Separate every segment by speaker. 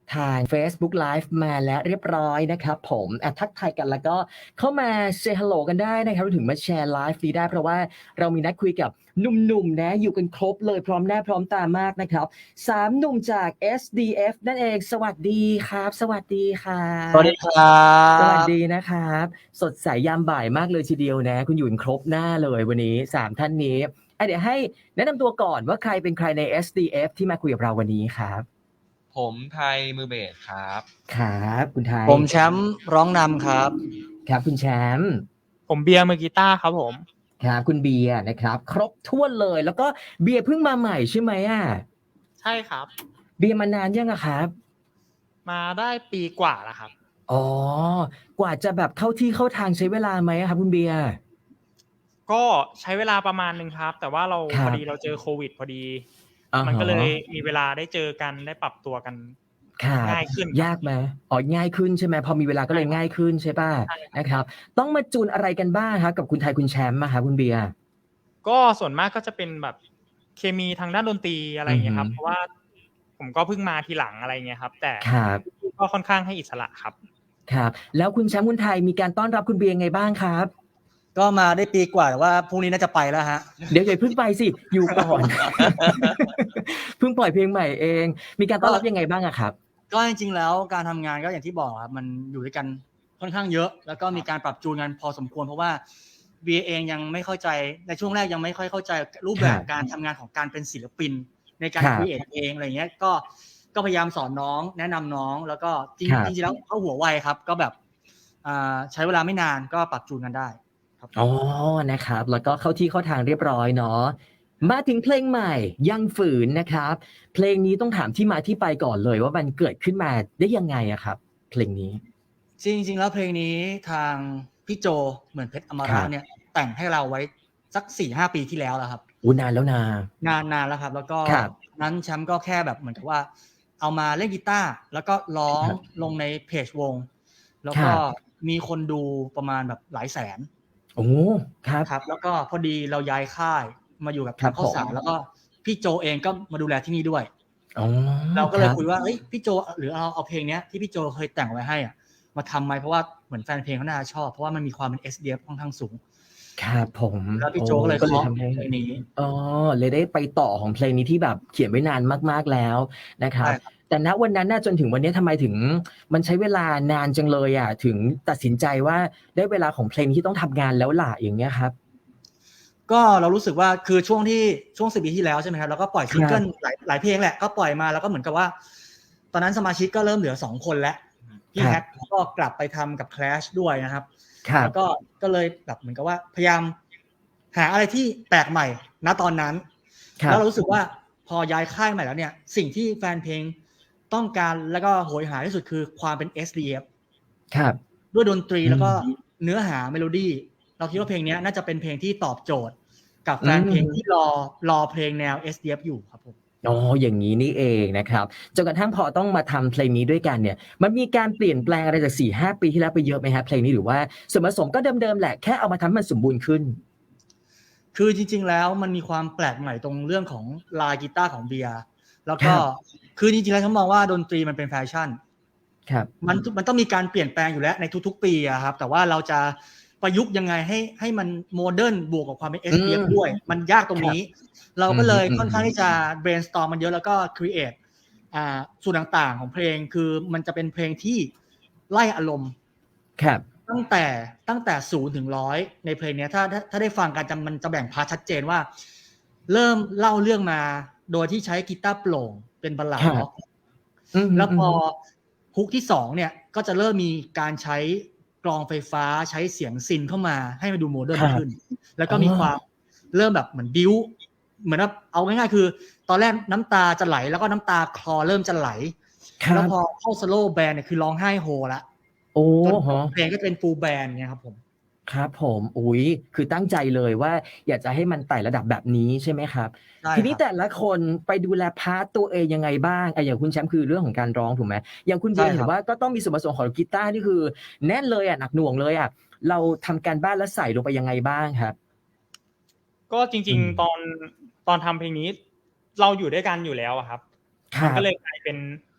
Speaker 1: ทาง Facebook Live มาแล้วเรียบร้อยนะครับผมทักทายกันแล้วก็เข้ามา say hello กันได้นะครับรวมถึงมาแชร์ไลฟ์นี้ได้เพราะว่าเรามีนัดคุยกับหนุ่มๆนะอยู่กันครบเลยพร้อมหน้าพร้อมตามากนะครับ3หนุ่มจาก SDF นั่นเองสวัสดีครับสวัสดีครั
Speaker 2: สวัสดี
Speaker 1: บ
Speaker 2: ครั
Speaker 1: สวัส
Speaker 2: บ
Speaker 1: ดีนะครับสดใสยามบ่ายมากเลยทีเดียวนะคุณอยู่กันครบหน้าเลยวันนี้3ท่านนี้เดี๋ยวให้แนะนำตัวก่อนว่าใครเป็นใครใน SDF ที่มาคุยกับเราวันนี้ครับ
Speaker 3: ผมไทยมือเบสครับ
Speaker 1: ครับคุณไทย
Speaker 2: ผมแชมป์ร้องนำครับ
Speaker 1: ครับคุณแชมป์
Speaker 4: ผมเบียร์มือกีตาร์ครับผม
Speaker 1: ครับคุณเบียร์นะครับครบถ้วนเลยแล้วก็เบียร์เพิ่งมาใหม่ใช่ไหมอ่ะ
Speaker 4: ใช่ครับ
Speaker 1: เบียร์มานานยังอะครับ
Speaker 4: มาได้ปีกว่าแล้วครับ
Speaker 1: อ๋อกว่าจะแบบเข้าที่เข้าทางใช้เวลาไหมอะครับคุณเบียร์
Speaker 4: ก็ใช้เวลาประมาณนึงครับ แต่ว่าเรา
Speaker 1: ครั
Speaker 4: พ
Speaker 1: บ
Speaker 4: อดีเราเจอโควิดพอดี
Speaker 1: อ่า
Speaker 4: มัน
Speaker 1: ฮะ
Speaker 4: ก็เลยมีเวลาได้เจอกันได้ปรับตัวกัน
Speaker 1: ครับ
Speaker 4: ง่ายขึ้น
Speaker 1: ยากไหมง่ายขึ้นใช่ไหมพอมีเวลาก็เลยง่ายขึ้นใช่ป่ะ
Speaker 4: ใช่ครับ
Speaker 1: นะครับ ต้องมาจูนอะไรกันบ้างครับกับคุณไทยคุณแชมป์อะครับคุณเบียร์
Speaker 4: ก็ส่วนมากก็จะเป็นแบบเคมีทางด้านดนตรีอะไรอย่างเงี้ยครับ
Speaker 1: อือฮึ
Speaker 4: เพราะว่าผมก็เพิ่งมาทีหลังอะไรเงี้ยครับ แต่
Speaker 1: ครับ
Speaker 4: ก็ค่อนข้างให้อิสระครับ
Speaker 1: ครับแล้วคุณแชมป์คุณไทยมีการต้อนรับคุณเบียร์ไงบ้างครับ
Speaker 2: ก็มาได้ปีกว่าแต่ว่าพรุ่งนี้น่าจะไปแล้วฮะ
Speaker 1: เดี๋ยวอย่าเพิ่งไปสิอยู่ก่อน เพิ่งปล่อยเพลงใหม่เอง มีการต้อนรับยังไงบ้างอะครับ
Speaker 2: ก็จริงๆแล้วการทำงานก็อย่างที่บอกครับมันอยู่ด้วยกันค่อนข้างเยอะ แล้วก็มีการปรับจูนกันพอสมควรเพราะว่าเบียเองยังไม่เข้าใจในช่วงแรกยังไม่ค่อยเข้าใจรูปแบบ
Speaker 1: ครับ
Speaker 2: การทำงานของการเป็นศิลปิน ในการ
Speaker 1: ครับ
Speaker 2: ครีเอทเองอะไรเงี้ยก็พยายามสอนน้องแนะนำน้องแล้วก็จริง
Speaker 1: ครับ
Speaker 2: จริงๆแล้วเขาหัวไวครับ ก็แบบใช้เวลาไม่นานก็ปรับจูนกันได้ครับ
Speaker 1: อ๋อนะครับ แล้วก็เข้าที่เข้าทางเรียบร้อยเนาะมาถึงเพลงใหม่ยังฝืนนะครับ เพลงนี้ต้องถามที่มาที่ไปก่อนเลยว่ามันเกิดขึ้นมาได้ยังไงอะครับ เพลงนี้
Speaker 2: จริงๆแล้วเพลงนี้ทางพี่โจเหมือนเพชรอม
Speaker 1: ครั
Speaker 2: รา
Speaker 1: บ
Speaker 2: เนี่ยแต่งให้เราไว้สัก 4-5 ปีที่แล้วแล้วครับ
Speaker 1: นานแล้วนะ
Speaker 2: นานแล้วครับ แล้วก็
Speaker 1: ครับ
Speaker 2: นั้นแชมป์ก็แค่แบบเหมือนกับว่า เอามาเล่นกีตาร์แล้วก็ร้อง
Speaker 1: ครับ
Speaker 2: ลงในเพจวง แล้ว
Speaker 1: ค
Speaker 2: ก็
Speaker 1: รับ
Speaker 2: มีคนดูประมาณแบบหลายแสน
Speaker 1: โอ้ครับ
Speaker 2: ครับ แล้วก็พอดีเราย้ายค่ายมาอยู่กับ
Speaker 1: ครั
Speaker 2: ทา
Speaker 1: บ
Speaker 2: งข้าวสาร
Speaker 1: ผม
Speaker 2: แล้วก็พี่โจเองก็มาดูแลที่นี่ด้วย
Speaker 1: อ๋อ
Speaker 2: เราก็เลย
Speaker 1: รับ
Speaker 2: คุยว่าเอ้ยพี่โจหรือเอาเพลงเนี้ยที่พี่โจเคยแต่งไว้ให้อ่ะมาทำไหมเพราะว่าเหมือนแฟนเพลงเขาน่าจะชอบเพราะว่ามันมีความเป็น SDF ค่อนข้างสูง
Speaker 1: ครับผม
Speaker 2: แล้วพี่โจก็เลย
Speaker 1: ก็เลย
Speaker 2: เคาะ
Speaker 1: ทำให้
Speaker 2: เพลงนี้
Speaker 1: อ๋อเลยได้ไปต่อของเพลงนี้ที่แบบเขียนไว้นานมากๆแล้วนะครับ
Speaker 2: ใช่ครับ
Speaker 1: แต่ณวันนั้นน่ะจนถึงวันนี้ทำไมถึงมันใช้เวลานานจังเลยอะถึงตัดสินใจว่าได้เวลาของเพลงที่ต้องทำงานแล้วล่ะอย่างเงี้ยครับ
Speaker 2: ก็เรารู้สึกว่าคือช่วง10 ปีที่แล้วใช่ไหมครับเราก็ปล่อยซิงเกิลหลายเพลงแหละก็ปล่อยมาแล้วก็เหมือนกับว่า ตอนนั้นสมาชิกก็เริ่มเหลือ2 คนแล้วพี่
Speaker 1: ครับ
Speaker 2: แฮกก็กลับไปทำกับ Clash ด้วยนะครับ
Speaker 1: ครับ
Speaker 2: แล้วก็เลยแบบเหมือนกับว่าพยายามหาอะไรที่แปลกใหม่ณตอนนั้น
Speaker 1: ครับ
Speaker 2: แล้วเรารู้สึกว่าพอย้ายค่ายใหม่แล้วเนี่ยสิ่งที่แฟนเพลงต้องการแล้วก็โหยหาที่สุดคือความเป็น SDF
Speaker 1: ครับ
Speaker 2: ด้วยดนตรี
Speaker 1: อืม
Speaker 2: แล้วก็เนื้อหาเมโลดี้เราคิดว่าเพลงนี้น่าจะเป็นเพลงที่ตอบโจทย์ กับแฟนเพลงที่รอเพลงแนว SDF อยู่ครับผม
Speaker 1: อ๋ออย่างนี้นี่เองนะครับจนกระทั่งพอต้องมาทำเพลงนี้ด้วยกันเนี่ยมันมีการเปลี่ยนแปลงอะไรจาก 4-5 ปีที่แล้วไปเยอะไหมฮะเพลงนี้หรือว่าส่วนผสมก็เดิมๆแหละแค่เอามาทำให้มันสมบูรณ์ขึ้น
Speaker 2: คือจริงๆแล้วมันมีความแปลกใหม่ตรงเรื่องของลายกีตาร์ของเบียร์แล้วก็
Speaker 1: ครับ
Speaker 2: คือจริงๆแล้วฉันมองว่าดนตรีมันเป็นแฟชั่น
Speaker 1: ครับ
Speaker 2: มันต้องมีการเปลี่ยนแปลงอยู่แล้วในทุกๆปีอะครับแต่ว่าเราจะประยุกต์ยังไงให้มันโมเดิร์นบวกกับความเป็น SDF ด้วยมันยากตรงนี้ เราก็เลยค่อนข้างที่จะ brainstorm มันเยอะแล้วก็ create ส่วนต่างๆของเพลงคือมันจะเป็นเพลงที่ไล่อารมณ์
Speaker 1: ครับ
Speaker 2: ตั้งแต่0 ถึง 100ในเพลงนี้ถ้าได้ฟังกันมันจะแบ่งพาร์ทชัดเจนว่า เริ่มเล่าเรื่องมาโดยที่ใช้กีตาร์โปร่งเป็นบัลลัดร็อกแล้วพอฮุกที่2เนี่ยก็จะเริ่มมีการใช้กลองไฟฟ้าใช้เสียงซินเข้ามาให้มันดูโมเดิร์นขึ้น แล้วก็มีความเริ่มแบบเหมือนบิ้วเหมือนว่าเอาง่ายๆคือตอนแรกน้ำตาจะไหลแล้วก็น้ำตาคลอเริ่มจะไหลแล้วพอเข้าสโลว์แบนเนี่ยคือร้องไห้โฮละ
Speaker 1: โอ้
Speaker 2: จน
Speaker 1: โห
Speaker 2: เพลงก็เป็นฟูลแบนด์เนี่ยครับผม
Speaker 1: ครับผมอุ๊ยคือตั้งใจเลยว่าอยากจะให้มันไต่ระดับแบบนี้ใช่ไหมครับ
Speaker 2: ใช่
Speaker 1: ทีนี้
Speaker 2: ครับ
Speaker 1: แต่ละคนไปดูแลพาร์ตตัวเองยังไงบ้างอย่างคุณแชมป์คือเรื่องของการร้องถูกไหมอย่างคุณเบียร์
Speaker 2: ใช่ครับ
Speaker 1: เห็นว่าก็ต้องมีส่วนผสมของกีตาร์นี่คือแน่นเลยหนักหน่วงเลยเราทำการบ้านแล้วใส่ลงไปยังไงบ้างครับ
Speaker 4: ก็จริงๆตอนทำเพลงนี้ เราอยู่ด้วยกันอยู่แล้วอะครับ
Speaker 1: ครั
Speaker 4: มัน
Speaker 1: บ
Speaker 4: ก็เลยกลายเป็น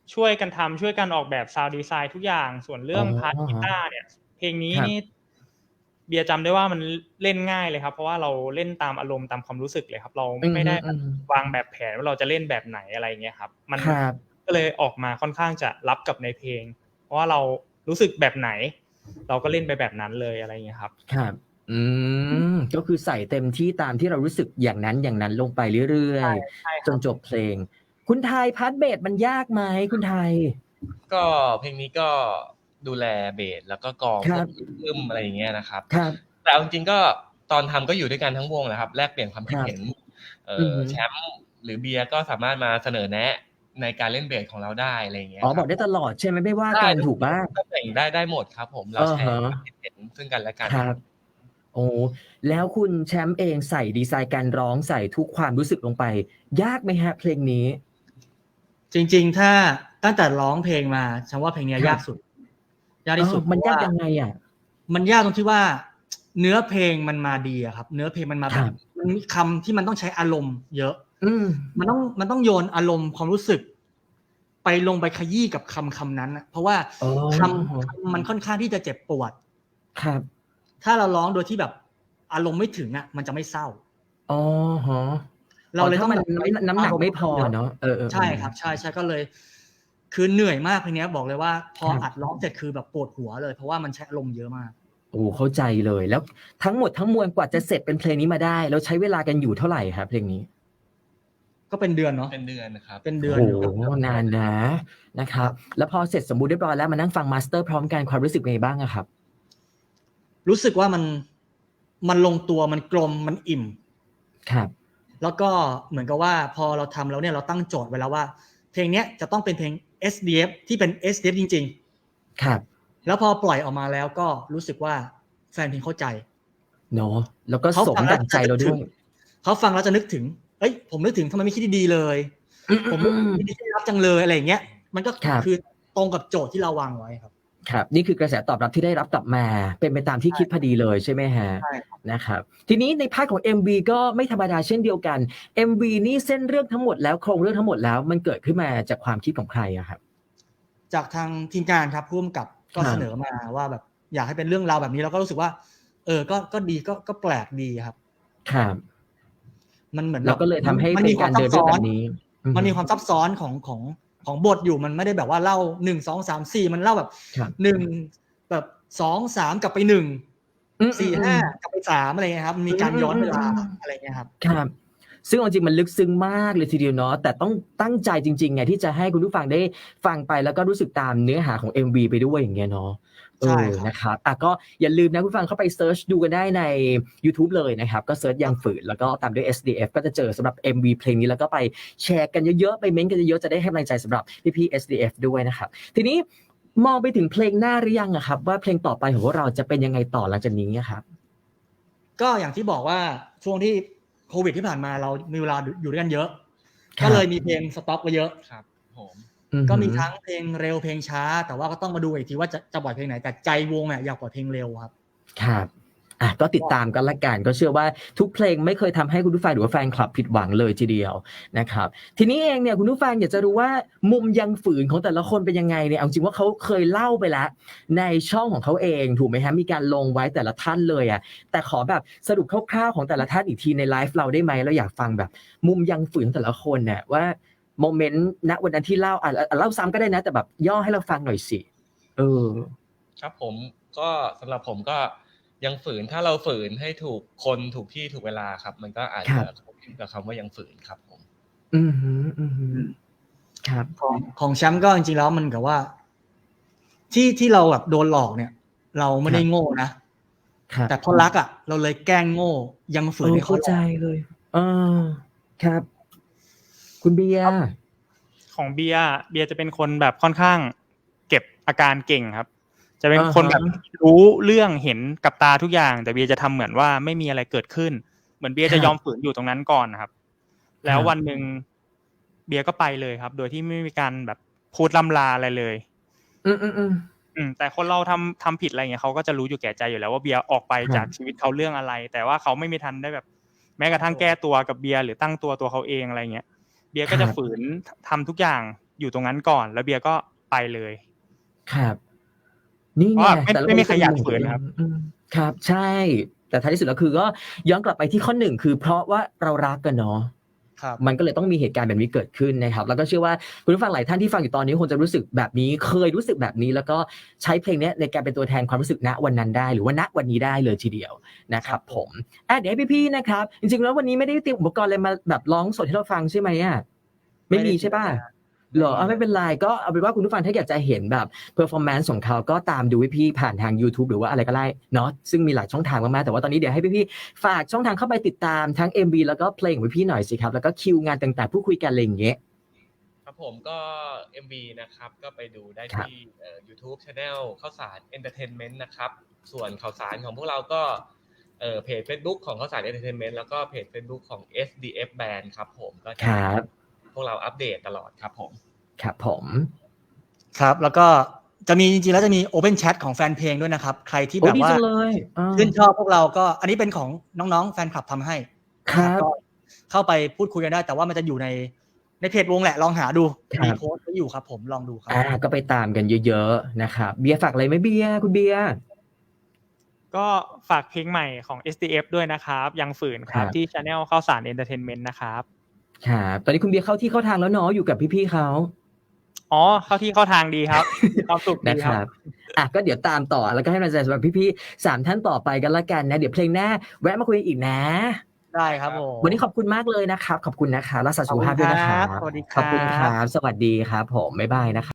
Speaker 4: ช่วยกันทำช่วยกันออกแบบซาวด์ดีไซน์ทุกอย่างส่วนเรื่องพาร์ทกีตาร์เนี่ยเพลงนี้นี่เบียร์จำได้ว่ามันเล่นง่ายเลยครับเพราะว่าเราเล่นตามอารมณ์ตามความรู้สึกเลยครับเราไม่ได้วางแบบแผนว่าเราจะเล่นแบบไหนอะไรเงี้ยครับมันก็เลยออกมาค่อนข้างจะรับกับในเพลงเพราะว่าเรารู้สึกแบบไหนเราก็เล่นไปแบบนั้นเลยอะไรเงี้ยครับ
Speaker 1: ครับก็คือใส่เต็มที่ตามที่เรารู้สึกอย่างนั้นลงไปเรื่อยๆจนจบเพลงคุณไทยพาร์ทเบสมันยากไหมคุณไทย
Speaker 3: ก็เพลงนี้ก็ดูแลเบสแล้วก็กลองพวกอึ้มอะไรอย่างเงี้ยนะครับแต่เอาจริงๆก็ตอนทำก็อยู่ด้วยกันทั้งวงแหละครับแลกเปลี่ยนความคิดเห็นแชมป์หรือเบียร์ก็สามารถมาเสนอแนะในการเล่นเบสของเราได้อะไรอย่างเงี้ย
Speaker 1: บอกได้ตลอดใช่ไหมไม่ว่ากันถูกป่ะ
Speaker 3: ก็แต่งได้หมดครับผมเราแชร์ความคิดเห็นซึ่งกันและกัน
Speaker 1: ครับโอ้แล้วคุณแชมป์เองใส่ดีไซน์การร้องใส่ทุกความรู้สึกลงไปยากไหมฮะเพลงนี้
Speaker 2: จริงๆถ้าตั้งแต่ร้องเพลงมาฉันว่าเพลงนี้ยากสุดยากที่สุด
Speaker 1: มันยากยังไงอ่ะ
Speaker 2: มันยากตรงที่ว่าเนื้อเพลงมันมาดีอะครับเนื้อเพลงมันมาแบบมันมีคำที่มันต้องใช้อารมณ์เยอะมันต้องโยนอารมณ์ความรู้สึกไปลงไปขยี้กับคำนั้นนะเพราะว่าคำมันค่อนข้างที่จะเจ็บปวด
Speaker 1: ครับ
Speaker 2: ถ้าเราร้องโดยที่แบบอารมณ์ไม่ถึงอ่ะมันจะไม่เศร้า
Speaker 1: อ๋อฮะ
Speaker 2: เราเลยต้อง
Speaker 1: น้ำหนักไม่พอเนาะ
Speaker 2: ใช่ครับใช่ก็เลยคือเหนื่อยมากเพลงนี้บอกเลยว่าพออัดร้องเสร็จคือแบบปวดหัวเลยเพราะว่ามันใช้อารมณ์เยอะมาก
Speaker 1: โอ้เข้าใจเลยแล้วทั้งหมดทั้งมวลกว่าจะเสร็จเป็นเพลงนี้มาได้แล้วใช้เวลากันอยู่เท่าไหร่ครับเพลงนี้
Speaker 2: ก็เป็นเดือนเนาะ
Speaker 3: เป็นเดือนนะครับ
Speaker 2: เป็นเดือน
Speaker 1: โอ้นานนะครับแล้วพอเสร็จสมบูรณ์เรียบร้อยแล้วมานั่งฟังมาสเตอร์พร้อมกันความรู้สึกไงบ้างอะครับ
Speaker 2: รู้สึกว่ามันลงตัวมันกลมมันอิ่ม
Speaker 1: ครับ
Speaker 2: แล้วก็เหมือนกับว่าพอเราทำแล้วเนี่ยเราตั้งโจทย์ไว้แล้วว่าเพลงนี้จะต้องเป็นเพลง SDF ที่เป็น SDF จริง
Speaker 1: ๆครับ
Speaker 2: แล้วพอปล่อยออกมาแล้วก็รู้สึกว่าแฟนเพลงเข้าใจ
Speaker 1: เนาะแล้วก็สมดังใจเราด้วย
Speaker 2: เขาฟังแล้วจะนึกถึงเอ้ยผมนึกถึงทำไมไม่คิดดีๆเลยผมคิดดีๆรับจังเลยอะไรอย่างเงี้ยมันก็คือตรงกับโจทย์ที่เราวางไว้ครับ
Speaker 1: ครับนี่คือกระแสตอบรับที่ได้รับกลับมาเป็นไปตามที่คิดพอดีเลยใช่ไหมฮะ
Speaker 2: ใช่
Speaker 1: นะครับทีนี้ในพาร์ทของ MV ก็ไม่ธรรมดาเช่นเดียวกัน MV นี่เส้นเรื่องทั้งหมดแล้วโครงเรื่องทั้งหมดแล้วมันเกิดขึ้นมาจากความคิดของใครอะครับ
Speaker 2: จากทางทีมงานครับร่วมกับก็เสนอมาว่าแบบอยากให้เป็นเรื่องราวแบบนี้แล้วก็รู้สึกว่าก็ดีก็แปลกดีครับ
Speaker 1: ครับ
Speaker 2: มันเหมือน
Speaker 1: เราก็เลยทำให้เป็นการเดินเรื่องแบบนี้
Speaker 2: มันมีความซับซ้อนของบทอยู่มันไม่ได้แบบว่าเล่า1 2 3 4มันเล่าแบบ1แบบ2 3กลับไป1 4 5กลับไป3อะไรเงี้ยครับมันมีการย้อนเวลาอะไรเงี้ยครับ
Speaker 1: ครับซึ่งจริงมันลึกซึ้งมากเลยทีเดียวเนาะแต่ต้องตั้งใจจริงๆไงที่จะให้คุณผู้ฟังได้ฟังไปแล้วก็รู้สึกตามเนื้อหาของ MV ไปด้วยอย่างเงี้ยเนาะนะครับก็อย่าลืมนะคุณผู้ฟังเข้าไปเซิร์ชดูกันได้ใน YouTube เลยนะครับก็เซิร์ชยังฝืนแล้วก็ตามด้วย SDF ก็จะเจอสำหรับ MV เพลงนี้แล้วก็ไปแชร์กันเยอะๆไปเม้นต์กันเยอะๆจะได้ให้กำลังใจสำหรับพี่ๆ SDF ด้วยนะครับทีนี้มองไปถึงเพลงหน้าหรือยังครับว่าเพลงต่อไปของพวกเราจะเป็นยังไงต่อหลังจากนี้ครับ
Speaker 2: ก็อย่างที่บอกว่าช่วงที่โควิดที่ผ่านมาเรามีเวลาอยู่ด้วยกันเยอะก็เลยมีเพลงสต็อกไว้เยอะ
Speaker 3: ครับผม
Speaker 2: ก็มีทั้งเพลงเร็วเพลงช้าแต่ว่าก็ต้องมาดูอีกทีว่าจะปล่อยเพลงไหนแต่ใจวงอยากปล่อยเพลงเร็วครับ
Speaker 1: ครับก็ติดตามกันละกันก็เชื่อว่าทุกเพลงไม่เคยทำให้คุณผู้ฟังหรือว่าแฟนคลับผิดหวังเลยทีเดียวนะครับทีนี้เองเนี่ยคุณผู้ฟังอยากจะรู้ว่ามุมยังฝืนของแต่ละคนเป็นยังไงเนี่ยเอาจริงว่าเขาเคยเล่าไปแล้วในช่องของเขาเองถูกไหมฮะมีการลงไว้แต่ละท่านเลยแต่ขอแบบสรุปคร่าวๆของแต่ละท่านอีกทีในไลฟ์เราได้ไหมเราอยากฟังแบบมุมยังฝืนแต่ละคนเนี่ยว่าโมเมนต์ณวันนั้นที่เล่าเล่าซ้ำก็ได้นะแต่แบบย่อให้เราฟังหน่อยสิ
Speaker 3: ครับผมก็สำหรับผมก็ยังฝืนถ้าเราฝืนให้ถูกคนถูกที่ถูกเวลาครับมันก็อาจจะคงกับคำว่ายังฝืนครับผม
Speaker 1: ครับ
Speaker 2: ของแชมป์ก็จริงๆแล้วมันกับว่าที่เราแบบโดนหลอกเนี่ยเราไม่ได้โง่นะแต่เพราะรักเราเลยแกล้งโง่ยังฝืนให้
Speaker 1: เข้าใจเลยครับคุณเบียร์
Speaker 4: ของเบียร์จะเป็นคนแบบค่อนข้างเก็บอาการเก่งครับจะเป็นคนแบบรู้เรื่องเห็นกับตาทุกอย่างแต่เบียร์จะทำเหมือนว่าไม่มีอะไรเกิดขึ้นเหมือนเบียร์จะยอมฝืนอยู่ตรงนั้นก่อนนะครับแล้ววันนึงเบียร์ก็ไปเลยครับโดยที่ไม่มีการแบบพูดล่ำลาอะไรเลยแต่คนเราทำผิดอะไรเงี้ยเขาก็จะรู้อยู่แก่ใจอยู่แล้วว่าเบียร์ออกไปจากชีวิตเขาเรื่องอะไรแต่ว่าเขาไม่มีทันได้แบบแม้กระทั่งแก้ตัวกับเบียร์หรือตั้งตัวเขาเองอะไรเงี้ยเบียร์ก็จะฝืนทำทุกอย่างอยู่ตรงนั้นก่อนแล้วเบียร์ก็ไปเลย
Speaker 1: ครับ นี่
Speaker 4: เพ
Speaker 1: ไง
Speaker 4: ราะว่า
Speaker 1: แต่ละ
Speaker 4: ไม่มีใครอยาก
Speaker 1: น
Speaker 4: ฝืนครับ
Speaker 1: ครับ ใช่ แต่ท้ายที่สุดแล้วคือก็ย้อนกลับไปที่ข้อหนึ่งคือเพราะว่าเรารักกันเนาะ
Speaker 2: ครับ
Speaker 1: มันก็เลยต้องมีเหตุการณ์แบบนี้เกิดขึ้นนะครับ แล้วก็เชื่อว่าคุณผู้ฟังหลายท่านที่ฟังอยู่ตอนนี้คงจะรู้สึกแบบนี้ เคยรู้สึกแบบนี้ แล้วก็ใช้เพลงนี้ในการเป็นตัวแทนความรู้สึกณวันนั้นได้ หรือว่าณวันนี้ได้เลยทีเดียวนะครับผมเดี๋ยวให้พี่ๆนะครับ จริงๆแล้ววันนี้ไม่ได้เตรียมอุปกรณ์อะไรมาแบบร้องสดให้เราฟังใช่ไหมอ่ะไม่มีใช่ป่ะเหรอไม่เป็นไรก็เอาเป็นว่าคุณผู้ฟังถ้าอยากจะเห็นแบบ performance ของเขาก็ตามดูพี่ๆผ่านทาง YouTube หรือว่าอะไรก็ได้เนาะซึ่งมีหลายช่องทางมากๆแต่ว่าตอนนี้เดี๋ยวให้พี่ๆฝากช่องทางเข้าไปติดตามทั้ง MV แล้วก็เพลงของพี่ๆหน่อยสิครับแล้วก็คิวงานต่างๆพูดคุยกันอะไรอย่างเงี้ย
Speaker 3: ครับผมก็ MV นะครับก็ไปดูได้
Speaker 1: ครับ
Speaker 3: ที่YouTube Channel ข้าวสาร Entertainment นะครับส่วนข่าวสารของพวกเราก็เพจ Facebook ของข้าวสาร Entertainment แล้วก็เพจ Facebook ของ SDF Band ครับผมก็จะ
Speaker 1: ครับ
Speaker 3: พวกเราอัปเดตตลอดครับผม
Speaker 1: ครับผม
Speaker 2: ครับแล้วก็จะมีจริงๆแล้วจะมี Open Chat ของแฟนเพลงด้วยนะครับใครที่
Speaker 1: โอ้
Speaker 2: แบบ
Speaker 1: ดี
Speaker 2: ว่า
Speaker 1: จังเลยอ่า
Speaker 2: ชื่นชอบพวกเราก็อันนี้เป็นของน้องๆแฟนคลับทำให้
Speaker 1: ครับ
Speaker 2: ก็เข้าไปพูดคุยกันได้ แต่ว่ามันจะอยู่ในเพจวงแหละลองหาดู
Speaker 1: ครับ
Speaker 2: มีโพสต์ไว้อยู่ครับผมลองดูครับ
Speaker 1: ก็ไปตามกันเยอะๆนะครับเบียร์ฝากอะไรไหมเบียร์คุณเบียร์
Speaker 4: ก็ฝากเพลงใหม่ของ SDF ด้วยนะครับยังฝืนครับ
Speaker 1: ครับ
Speaker 4: ที่ Channel ข้าวสาร Entertainment นะครับ
Speaker 1: ครับตอนนี้คุณเบียร์เข้าที่เข้าทางแล้วเนาะอยู่กับพี่ๆเขา
Speaker 4: อ๋อเข้าที่เข้าทางดีครับ มีความสุขดี
Speaker 1: นะค
Speaker 4: ครั
Speaker 1: รับ บก็เดี๋ยวตามต่อแล้วก็ให้กำลังใจสำหรับพี่ๆ3ท่านต่อไปกันละกันนะเดี๋ยวเพลงหน้าแวะมาคุยอีกนะ
Speaker 2: ได้ครับผม
Speaker 1: วันนี้ขอบคุณมากเลยนะครับขอบคุณนะคะรักษาสุขภาพด้วยนะครับ
Speaker 2: สวัสดีค
Speaker 1: ข
Speaker 2: รั
Speaker 1: อบคุณครับสวัสดีครับผมบ๊ายบายนะครับ